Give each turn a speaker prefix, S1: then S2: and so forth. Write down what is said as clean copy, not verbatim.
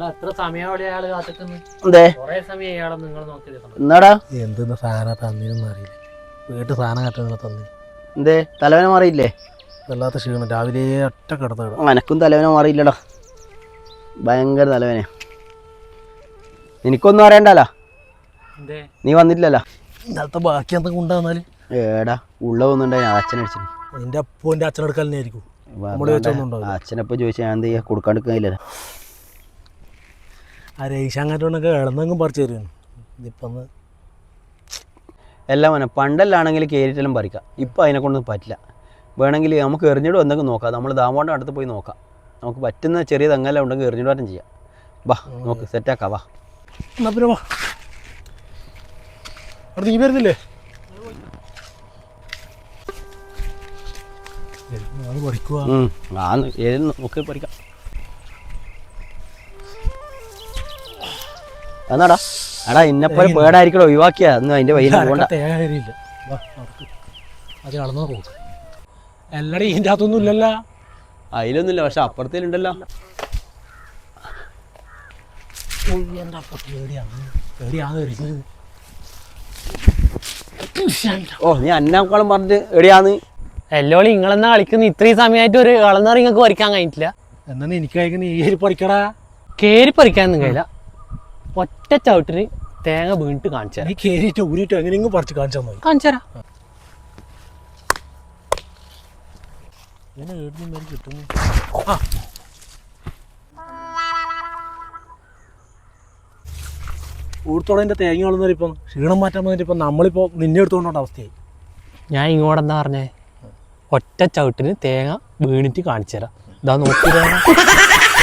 S1: എത്ര സമയം അയാള് കാത്തിക്കുന്നു? കൊറേ സമയം അയാളെ നിങ്ങൾ നോക്കിയത്.
S2: എന്നാടാ
S3: എന്തെന്ന് സാധനം തന്നീനൊന്നും അറിയില്ല. വീട്ടിൽ സാധനം കെട്ടുന്ന തന്നി.
S2: എന്തേ തലവേന മാറിയില്ലേ?
S3: വല്ലാത്ത ക്ഷീണം. രാവിലെ ഒറ്റ കിടന്നിടും.
S2: അനക്കും തലവേന മാറിയില്ലടാ. ഭയങ്കര തലവേന. എനിക്കൊന്നും അറിയണ്ടല്ലോ. നീ വന്നിട്ടില്ലല്ലോ.
S3: ഇന്നലത്തെ ബാക്കി എന്തെങ്കിലും ഉണ്ടാകുന്നാല്
S2: ഏടാ ഉള്ള ഒന്നുണ്ടായി അച്ഛനടിച്ചു.
S3: നിന്റെ അപ്പോ എൻ്റെ അച്ഛനെടുക്കലിനെ ആയിരിക്കും.
S2: അച്ഛനപ്പോ ചോദിച്ചാൽ ഞാൻ എന്ത് ചെയ്യാ? കൊടുക്കാണ്ടിരിക്കുന്നില്ലല്ലോ.
S3: ആ രേഷാങ്ങാറ്റോണ്ടൊക്കെ ഇളന്നെങ്കിലും പറിച്ചു തരുന്നു. ഇതിപ്പം
S2: എല്ലാം വേണം. പണ്ടെല്ലാണെങ്കിൽ കയറിയിട്ടെല്ലാം പറിക്കാം. ഇപ്പം അതിനെക്കൊണ്ടൊന്നും പറ്റില്ല. വേണമെങ്കിൽ നമുക്ക് എറിഞ്ഞിടും എന്തെങ്കിലും നോക്കാം. നമ്മൾ ദാമോൻ്റെ അടുത്ത് പോയി നോക്കാം. നമുക്ക് പറ്റുന്ന ചെറിയ തെങ്ങെല്ലാം ഉണ്ടെങ്കിൽ എറിഞ്ഞിടുവാനും ചെയ്യാം. വാ നോക്ക് സെറ്റാക്കാം. വാ
S3: എന്നാ പിന്നെ വാ. അവിടെ നീ വരുന്നില്ലേ?
S2: നോക്കി പറിക്കാം. എന്നാടാ എടാ ഇന്നെപ്പോലെ പേടായിരിക്കണോ ഒഴിവാക്കിയാ അന്ന് അതിന്റെ വയ്യ പോകണ്ട.
S3: അത് കളന്നോ പോക്ക് എല്ലാടേ ഇതിൻ്റെ അകത്തൊന്നും ഇല്ലല്ലോ.
S2: അതിലൊന്നുമില്ല, പക്ഷെ അപ്പുറത്തേലുണ്ടല്ലോ. ഓ നീ അന്നാക്കോളം പറഞ്ഞിട്ട് എവിടെയാന്ന്
S1: എല്ലോളി നിങ്ങളെന്നാ കളിക്കുന്ന ഇത്രയും സമയമായിട്ട് ഒരു കളന്നറി നിങ്ങൾക്ക് പറിക്കാൻ കഴിഞ്ഞിട്ടില്ല.
S3: എന്നാ എനിക്ക് കഴിക്കുന്ന ഈ പറിക്കടാ.
S1: കേറി പറിക്കാനൊന്നും കഴിയില്ല. ഒറ്റ ചവിട്ടിന് തേങ്ങ വീണിട്ട് കാണിച്ചു തരാം.
S3: നീ കേറിയിട്ട് ഊരിയിട്ട് എങ്ങനെയെങ്കിലും പറിച്ച് കാണിച്ചാൽ മതി.
S1: കാണിച്ചു തരാം.
S3: കിട്ടുന്നു. ഊർത്തോടെ തേങ്ങ കളന്നവർ ഇപ്പം ക്ഷീണം മാറ്റാൻ വന്നിട്ട് ഇപ്പം നമ്മളിപ്പോൾ നിന്നെ എടുത്തുകൊണ്ടോണ്ട അവസ്ഥയായി.
S1: ഞാൻ ഇങ്ങോട്ടെന്താ പറഞ്ഞേ? ഒറ്റ ചവിട്ടിന് തേങ്ങ വീണിട്ട് കാണിച്ചു തരാം. ഇതാ നോക്കി